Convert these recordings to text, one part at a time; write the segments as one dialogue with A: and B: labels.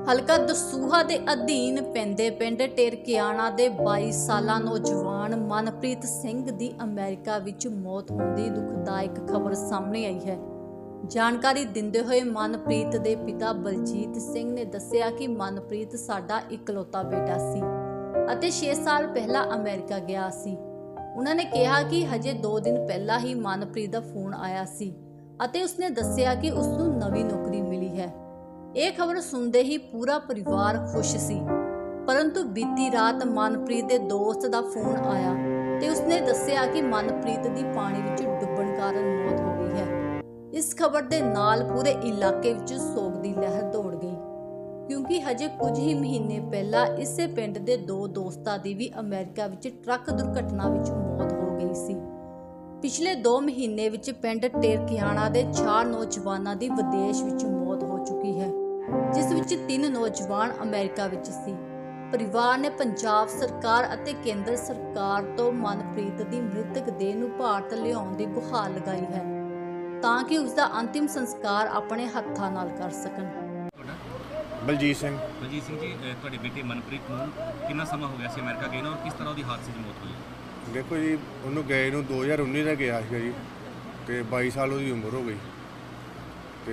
A: ਹਲਕਾ ਦਸੂਹਾ ਦੇ ਅਧੀਨ ਪੈਂਦੇ ਪਿੰਡ ਟੇਰਕਿਆਣਾ ਦੇ 22 ਸਾਲਾ ਨੌਜਵਾਨ ਮਨਪ੍ਰੀਤ ਸਿੰਘ ਦੀ ਅਮਰੀਕਾ ਵਿੱਚ ਮੌਤ ਹੋਣ ਦੀ ਦੁਖਦਾਇਕ ਖਬਰ ਸਾਹਮਣੇ ਆਈ ਹੈ। ਜਾਣਕਾਰੀ ਦਿੰਦੇ ਹੋਏ ਮਨਪ੍ਰੀਤ ਦੇ ਪਿਤਾ ਬਲਜੀਤ ਸਿੰਘ ਨੇ ਦੱਸਿਆ ਕਿ ਮਨਪ੍ਰੀਤ ਸਾਡਾ ਇਕਲੌਤਾ ਬੇਟਾ ਸੀ ਅਤੇ 6 ਸਾਲ ਪਹਿਲਾਂ ਅਮਰੀਕਾ ਗਿਆ ਸੀ। ਉਹਨਾਂ ਨੇ ਕਿਹਾ ਕਿ ਹਜੇ 2 ਦਿਨ ਪਹਿਲਾਂ ਹੀ ਮਨਪ੍ਰੀਤ ਦਾ ਫੋਨ ਆਇਆ ਸੀ ਅਤੇ ਉਸਨੇ ਦੱਸਿਆ ਕਿ ਉਸ ਨੂੰ ਨਵੀਂ ਨੌਕਰੀ ਮਿਲੀ ਹੈ। ਇਹ ਖਬਰ ਸੁਣਦੇ ਹੀ ਪੂਰਾ ਪਰਿਵਾਰ ਖੁਸ਼ ਸੀ, ਪਰੰਤੂ ਬੀਤੀ ਰਾਤ ਮਨਪ੍ਰੀਤ ਦੇ ਦੋਸਤ ਦਾ ਫੋਨ ਆਇਆ ਤੇ ਉਸਨੇ ਦੱਸਿਆ ਕਿ ਮਨਪ੍ਰੀਤ ਦੀ ਪਾਣੀ ਵਿੱਚ ਡੁੱਬਣ ਕਾਰਨ ਮੌਤ ਹੋ ਗਈ ਹੈ। ਇਸ ਖਬਰ ਦੇ ਨਾਲ ਪੂਰੇ ਇਲਾਕੇ ਵਿੱਚ ਸੋਗ ਦੀ ਲਹਿਰ ਦੌੜ ਗਈ, ਕਿਉਂਕਿ ਹਜੇ ਕੁਝ ਹੀ ਮਹੀਨੇ ਪਹਿਲਾਂ ਇਸੇ ਪਿੰਡ ਦੇ 2 ਦੋਸਤਾਂ ਦੀ ਵੀ ਅਮਰੀਕਾ ਵਿੱਚ ਟਰੱਕ ਦੁਰਘਟਨਾ ਵਿੱਚ ਮੌਤ ਹੋ ਗਈ ਸੀ। ਪਿਛਲੇ 2 ਮਹੀਨੇ ਵਿੱਚ ਪਿੰਡ ਟੇਰਕਿਆਣਾ ਦੇ 4 ਨੌਜਵਾਨਾਂ ਦੀ ਵਿਦੇਸ਼ ਵਿੱਚ ਮੌਤ ਹੋ ਚੁੱਕੀ ਹੈ, ਜਿਸ ਵਿੱਚ 3 ਨੌਜਵਾਨ ਅਮਰੀਕਾ ਵਿੱਚ ਸੀ। ਪਰਿਵਾਰ ਨੇ ਪੰਜਾਬ ਸਰਕਾਰ ਅਤੇ ਕੇਂਦਰ ਸਰਕਾਰ ਤੋਂ ਮਨਪ੍ਰੀਤ ਦੀ ਮ੍ਰਿਤਕ ਦੇਹ ਨੂੰ ਭਾਰਤ ਲਿਆਉਣ ਦੀ ਗੁਹਾਰ ਲਗਾਈ ਹੈ, ਤਾਂ ਕਿ ਉਸ ਦਾ ਅੰਤਿਮ ਸੰਸਕਾਰ ਆਪਣੇ ਹੱਥਾਂ ਨਾਲ ਕਰ ਸਕਣ।
B: ਬਲਜੀਤ ਸਿੰਘ
C: ਜੀ ਤੁਹਾਡੇ ਬੇਟੇ ਮਨਪ੍ਰੀਤ ਨੂੰ ਕਿੰਨਾ ਸਮਾਂ ਹੋ ਗਿਆ ਸੀ ਅਮਰੀਕਾ ਗਏ ਨੂੰ, ਔਰ ਕਿਸ ਤਰ੍ਹਾਂ ਉਹਦੀ ਹਾਦਸੇ 'ਚ ਮੌਤ ਹੋਈ?
B: ਦੇਖੋ ਜੀ, ਉਹਨੂੰ ਗਏ ਨੂੰ 2019 ਦਾ ਗਿਆ ਸੀਗਾ ਜੀ, ਤੇ 22 ਸਾਲ ਉਹਦੀ ਉਮਰ ਹੋ ਗਈ ਤੇ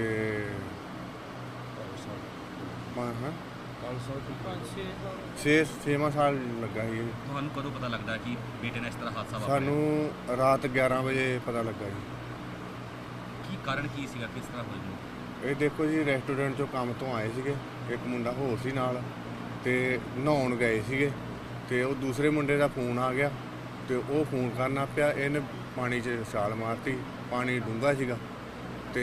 B: 6 ਸਾਲ ਲੱਗਾ ਸੀ।
C: ਤੁਹਾਨੂੰ ਕਦੋਂ ਪਤਾ ਲੱਗਦਾ ਕਿ ਬੇਟੇ ਨਾਲ ਇਸ ਤਰ੍ਹਾਂ ਹਾਦਸਾ ਵਾਪਰਿਆ?
B: ਸਾਨੂੰ ਰਾਤ 11 ਵਜੇ ਪਤਾ ਲੱਗਾ ਜੀ।
C: ਕੀ ਕਾਰਨ ਕੀ ਸੀਗਾ, ਕਿਸ ਤਰ੍ਹਾਂ ਹੋਈ?
B: ਇਹ ਦੇਖੋ ਜੀ, ਰੈਸਟੋਰੈਂਟ 'ਚੋਂ ਕੰਮ ਤੋਂ ਆਏ ਸੀਗੇ, ਇੱਕ ਮੁੰਡਾ ਹੋਰ ਸੀ ਨਾਲ, ਤੇ ਨਹਾਉਣ ਗਏ ਸੀਗੇ ਤੇ ਉਹ ਦੂਸਰੇ ਮੁੰਡੇ ਦਾ ਫੋਨ ਆ ਗਿਆ ਤੇ ਉਹ ਫੋਨ ਕਰਨਾ ਪਿਆ, ਇਹਨੇ ਪਾਣੀ 'ਚ ਛਾਲ ਮਾਰਤੀ। ਪਾਣੀ ਡੂੰਘਾ ਸੀਗਾ ਤੇ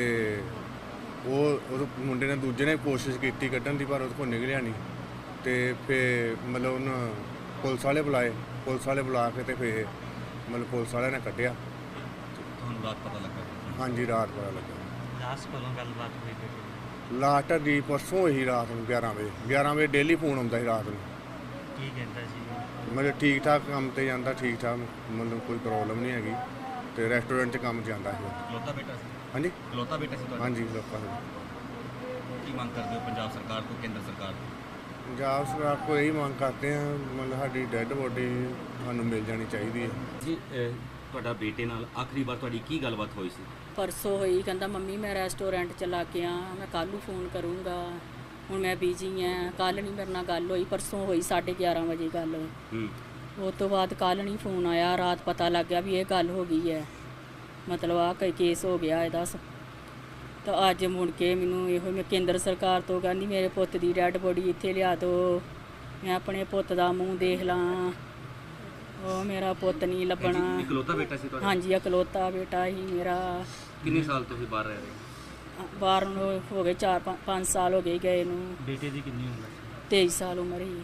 B: ਉਹ ਮੁੰਡੇ ਨੇ ਦੂਜੇ ਨੇ ਕੋਸ਼ਿਸ਼ ਕੀਤੀ ਕੱਢਣ ਦੀ, ਪਰ ਉਹਦੇ ਕੋਲ ਨਿਕਲਿਆ ਨਹੀਂ। ਤੇ ਫਿਰ ਮਤਲਬ ਉਹਨਾਂ ਪੁਲਿਸ ਵਾਲੇ ਬੁਲਾਏ, ਪੁਲਿਸ ਵਾਲੇ ਬੁਲਾ ਕੇ ਤੇ ਫਿਰ ਮਤਲਬ ਪੁਲਿਸ ਵਾਲਿਆਂ ਨੇ ਕੱਢਿਆ।
C: ਤੁਹਾਨੂੰ ਰਾਤ ਪਤਾ ਲੱਗਾ?
B: ਹਾਂਜੀ, ਰਾਤ ਪਤਾ ਲੱਗਾ।
C: ਲਾਸਟ ਕਦੋਂ ਗੱਲਬਾਤ ਹੋਈ?
B: ਲਾਸਟ ਦੀ ਪਰਸੋਂ ਹੋਈ ਰਾਤ ਨੂੰ 11 ਵਜੇ ਡੇਲੀ ਫੋਨ ਆਉਂਦਾ ਸੀ ਰਾਤ ਨੂੰ।
C: ਕੀ ਕਹਿੰਦਾ ਸੀ?
B: ਮਤਲਬ ਠੀਕ ਠਾਕ ਕੰਮ ਤੇ ਜਾਂਦਾ, ਠੀਕ ਠਾਕ, ਮਤਲਬ ਕੋਈ ਪ੍ਰੋਬਲਮ ਨਹੀਂ ਹੈਗੀ, ਤੇ ਰੈਸਟੋਰੈਂਟ 'ਚ ਕੰਮ ਜਾਂਦਾ ਸੀ।
C: ਇਕਲੌਤਾ ਬੇਟਾ ਸੀ?
B: ਹਾਂਜੀ,
C: ਇਕਲੌਤਾ ਬੇਟਾ ਸੀ ਤੁਹਾਡਾ?
B: ਹਾਂਜੀ, ਲੋਕਾਂ ਨੂੰ।
C: ਕੀ ਮੰਗ ਕਰਦੇ ਹੋ ਪੰਜਾਬ ਸਰਕਾਰ ਤੋਂ, ਕੇਂਦਰ ਸਰਕਾਰ ਤੋਂ?
B: ਪੰਜਾਬ ਸਰਕਾਰ ਕੋਲ ਇਹੀ ਮੰਗ ਕਰਦੇ ਹਾਂ, ਮਤਲਬ ਸਾਡੀ ਡੈੱਡ ਬੋਡੀ ਸਾਨੂੰ ਮਿਲ ਜਾਣੀ ਚਾਹੀਦੀ ਹੈ
C: ਜੀ। ਤੁਹਾਡਾ ਬੇਟੇ ਨਾਲ ਆਖਰੀ ਵਾਰ ਤੁਹਾਡੀ ਕੀ ਗੱਲਬਾਤ ਹੋਈ ਸੀ?
D: ਪਰਸੋਂ ਹੋਈ, ਕਹਿੰਦਾ ਮੰਮੀ ਮੈਂ ਰੈਸਟੋਰੈਂਟ ਚਲਾ ਕੇ ਆ, ਮੈਂ ਕੱਲ੍ਹ ਨੂੰ ਫੋਨ ਕਰੂੰਗਾ, ਹੁਣ ਮੈਂ ਬਿਜੀ ਹਾਂ, ਕੱਲ੍ਹ ਨਹੀਂ ਮੇਰੇ ਨਾਲ ਗੱਲ ਹੋਈ। ਪਰਸੋਂ ਹੋਈ 11:30 ਵਜੇ ਗੱਲ। ਉਸ ਤੋਂ ਬਾਅਦ ਕੱਲ੍ਹ ਨਹੀਂ ਫੋਨ ਆਇਆ। ਰਾਤ ਪਤਾ ਲੱਗ ਗਿਆ ਵੀ ਇਹ ਗੱਲ ਹੋ ਗਈ ਹੈ, ਮਤਲਬ ਆਹ ਕੋਈ ਕੇਸ ਹੋ ਗਿਆ ਇਹਦਾ। ਤਾਂ ਅੱਜ ਮੁੜ ਕੇ ਮੈਨੂੰ ਇਹੋ ਮੈਂ ਕੇਂਦਰ ਸਰਕਾਰ ਤੋਂ ਕਹਿੰਦੀ ਮੇਰੇ ਪੁੱਤ ਦੀ ਡੈਡ ਬੋਡੀ ਇੱਥੇ ਲਿਆ ਦਿਓ, ਮੈਂ ਆਪਣੇ ਪੁੱਤ ਦਾ ਮੂੰਹ ਦੇਖ ਲਾਂ। ਉਹ ਮੇਰਾ ਪੁੱਤ ਨਹੀਂ ਲੱਭਣਾ।
C: ਇਕਲੌਤਾ ਬੇਟਾ ਸੀ ਤੁਹਾਡਾ?
D: ਹਾਂਜੀ, ਇਕਲੌਤਾ ਬੇਟਾ ਹੀ ਮੇਰਾ।
C: ਕਿੰਨੇ ਸਾਲ ਤੋਂ ਹੀ ਬਾਹਰ ਰਹਿ ਰਹੇ?
D: ਬਾਹਰ ਨੂੰ ਹੋ ਗਏ 4-5 ਸਾਲ ਹੋ ਗਏ ਗਏ ਨੂੰ।
C: ਬੇਟੇ ਦੀ ਕਿੰਨੀ ਉਮਰ?
D: 23 ਸਾਲ ਉਮਰ ਹੀ।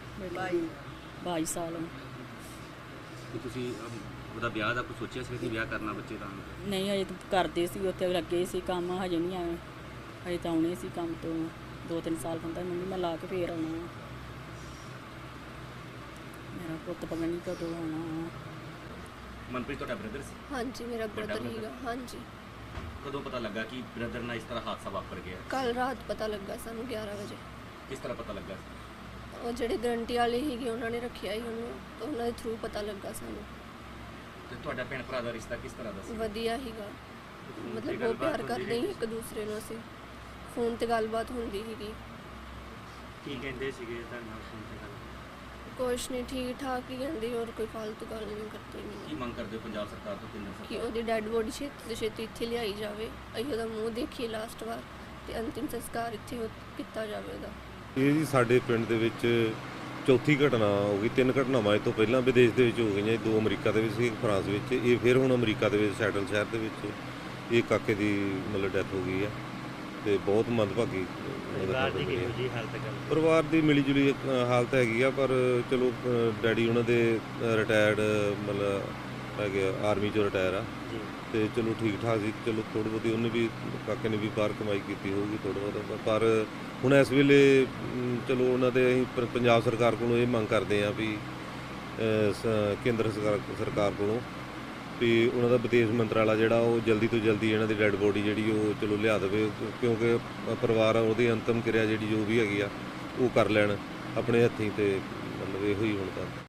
D: 22 ਸਾਲ।
C: ਕਿ ਤੁਸੀਂ ਉਹਦਾ ਵਿਆਹ ਦਾ ਕੁਝ ਸੋਚਿਆ ਸੀ ਕਿ ਵਿਆਹ ਕਰਨਾ ਬੱਚੇ ਦਾ?
D: ਨਹੀਂ, ਹਜੇ ਤਾਂ ਕਰਦੇ ਸੀ, ਉੱਥੇ ਲੱਗੇ ਸੀ ਕੰਮ, ਹਜੇ ਨਹੀਂ ਆਏ। ਹਜੇ ਤਾਂ ਆਉਣੇ ਸੀ ਕੰਮ ਤੋਂ 2-3 ਸਾਲ ਬੰਦਾ ਮੰਮੀ ਮੈਂ ਲਾ ਕੇ ਫੇਰ ਆਉਣਾ। ਮੇਰਾ ਪੁੱਤ ਪਤਾ ਨਹੀਂ ਕਦੋਂ ਆਉਣਾ।
C: ਮਨਪ੍ਰੀਤ ਤੁਹਾਡਾ ਬ੍ਰਦਰ ਸੀ?
E: ਹਾਂਜੀ, ਮੇਰਾ ਬ੍ਰਦਰ ਹੀਗਾ। ਹਾਂਜੀ।
C: ਕਦੋਂ ਪਤਾ ਲੱਗਾ ਕਿ ਬ੍ਰਦਰ ਨਾਲ ਇਸ ਤਰ੍ਹਾਂ ਹਾਦਸਾ ਵਾਪਰ ਗਿਆ?
E: ਕੱਲ ਰਾਤ ਪਤਾ ਲੱਗਾ ਸਾਨੂੰ 11 ਵਜੇ।
C: ਕਿਸ ਤਰ੍ਹਾਂ ਪਤਾ ਲੱਗਾ?
E: ਉਹ ਜਿਹੜੇ ਗਰੰਟੀ ਵਾਲੇ ਸੀਗੇ ਉਹਨਾਂ ਨੇ ਰੱਖਿਆ ਹੀ ਉਹਨੂੰ, ਤਾਂ ਉਹਨਾਂ ਦੇ ਥਰੂ ਪਤਾ ਲੱਗਾ ਸਾਨੂੰ।
C: ਤੇ ਤੁਹਾਡਾ ਭੈਣ ਭਰਾ ਦਾ ਰਿਸ਼ਤਾ ਕਿਸ ਤਰ੍ਹਾਂ ਦਾ ਸੀ?
E: ਵਧੀਆ ਹੀਗਾ, ਮਤਲਬ ਬਹੁਤ ਪਿਆਰ ਕਰਦੇ ਸੀ ਇੱਕ ਦੂਸਰੇ ਨੂੰ। ਅਸੀਂ ਫੋਨ ਤੇ ਗੱਲਬਾਤ ਹੁੰਦੀ ਸੀਗੀ।
C: ਕੀ ਕਹਿੰਦੇ ਸੀਗੇ ਤੁਹਾਡੇ ਨਾਲ ਫੋਨ ਤੇ ਗੱਲ?
E: ਕੁਛ ਨਹੀਂ, ਠੀਕ ਠਾਕ ਹੀ ਕਹਿੰਦੇ, ਹੋਰ ਕੋਈ ਫालतू ਗੱਲ ਨਹੀਂ ਕਰਦੇ।
C: ਕੀ ਮੰਗ ਕਰਦੇ ਹੋ ਪੰਜਾਬ ਸਰਕਾਰ ਤੋਂ, ਕੇਂਦਰ
E: ਕਿ
C: ਸਰਕਾਰ?
E: ਉਹਦੀ ਡੈਡ ਬੋਡੀ ਛੇਤੀ ਤੋਂ ਛੇਤੀ ਇੱਥੇ ਲਿਆਈ ਜਾਵੇ, ਅਸੀਂ ਉਹਦਾ ਮੂੰਹ ਦੇਖੀਏ ਲਾਸਟ ਵਾਰ, ਤੇ ਅੰਤਿਮ ਸੰਸਕਾਰ ਇੱਥੇ ਕੀਤਾ ਜਾਵੇ ਉਹਦਾ।
F: ਇਹ ਜੀ ਸਾਡੇ ਪਿੰਡ ਦੇ ਵਿੱਚ ਚੌਥੀ ਘਟਨਾ ਹੋ ਗਈ। 3 ਘਟਨਾਵਾਂ ਇਹ ਤੋਂ ਪਹਿਲਾਂ ਵਿਦੇਸ਼ ਦੇ ਵਿੱਚ ਹੋ ਗਈਆਂ। 2 ਅਮਰੀਕਾ ਦੇ ਵਿੱਚ ਸੀ, ਇੱਕ ਫਰਾਂਸ ਵਿੱਚ। ਇਹ ਫਿਰ ਹੁਣ ਅਮਰੀਕਾ ਦੇ ਵਿੱਚ ਸੈਟਲ ਸ਼ਹਿਰ ਦੇ ਵਿੱਚ ਇਹ ਕਾਕੇ ਦੀ ਮਤਲਬ ਡੈਥ ਹੋ ਗਈ ਹੈ, ਤੇ ਬਹੁਤ ਮੰਦਭਾਗੀ ਪਰਿਵਾਰ ਦੀ ਮਿਲੀ ਜੁਲੀ ਹਾਲਤ ਹੈਗੀ ਆ। ਪਰ ਚਲੋ ਡੈਡੀ ਉਹਨਾਂ ਦੇ ਰਿਟਾਇਰਡ ਮਤਲਬ ਹੈਗੇ ਆਰਮੀ 'ਚੋਂ ਰਿਟਾਇਰ ਆ, ਤੇ ਚਲੋ ਠੀਕ ਠਾਕ ਸੀ। ਚਲੋ ਥੋੜ੍ਹੀ ਬਹੁਤੀ ਉਹਨੇ ਵੀ, ਕਾਕੇ ਨੇ ਵੀ ਬਾਹਰ ਕਮਾਈ ਕੀਤੀ ਹੋਊਗੀ ਥੋੜ੍ਹਾ ਬਹੁਤਾ। ਪਰ ਹੁਣ ਇਸ ਵੇਲੇ ਚਲੋ ਉਹਨਾਂ ਦੇ ਅਸੀਂ ਪੰਜਾਬ ਸਰਕਾਰ ਕੋਲੋਂ ਇਹ ਮੰਗ ਕਰਦੇ ਹਾਂ ਵੀ ਕੇਂਦਰ ਸਰਕਾਰ ਕੋਲੋਂ ਵੀ ਉਹਨਾਂ ਦਾ ਵਿਦੇਸ਼ ਮੰਤਰਾਲਾ ਜਿਹੜਾ ਉਹ ਜਲਦੀ ਤੋਂ ਜਲਦੀ ਇਹਨਾਂ ਦੀ ਡੈਡ ਬੋਡੀ ਜਿਹੜੀ ਉਹ ਚਲੋ ਲਿਆ ਦੇਵੇ, ਕਿਉਂਕਿ ਪਰਿਵਾਰ ਉਹਦੀ ਅੰਤਮ ਕਿਰਿਆ ਜਿਹੜੀ ਜੋ ਵੀ ਹੈਗੀ ਆ ਉਹ ਕਰ ਲੈਣ ਆਪਣੇ ਹੱਥੀਂ, ਤੇ ਮਤਲਬ ਇਹੋ ਹੀ ਹੁਣ ਤਾਂ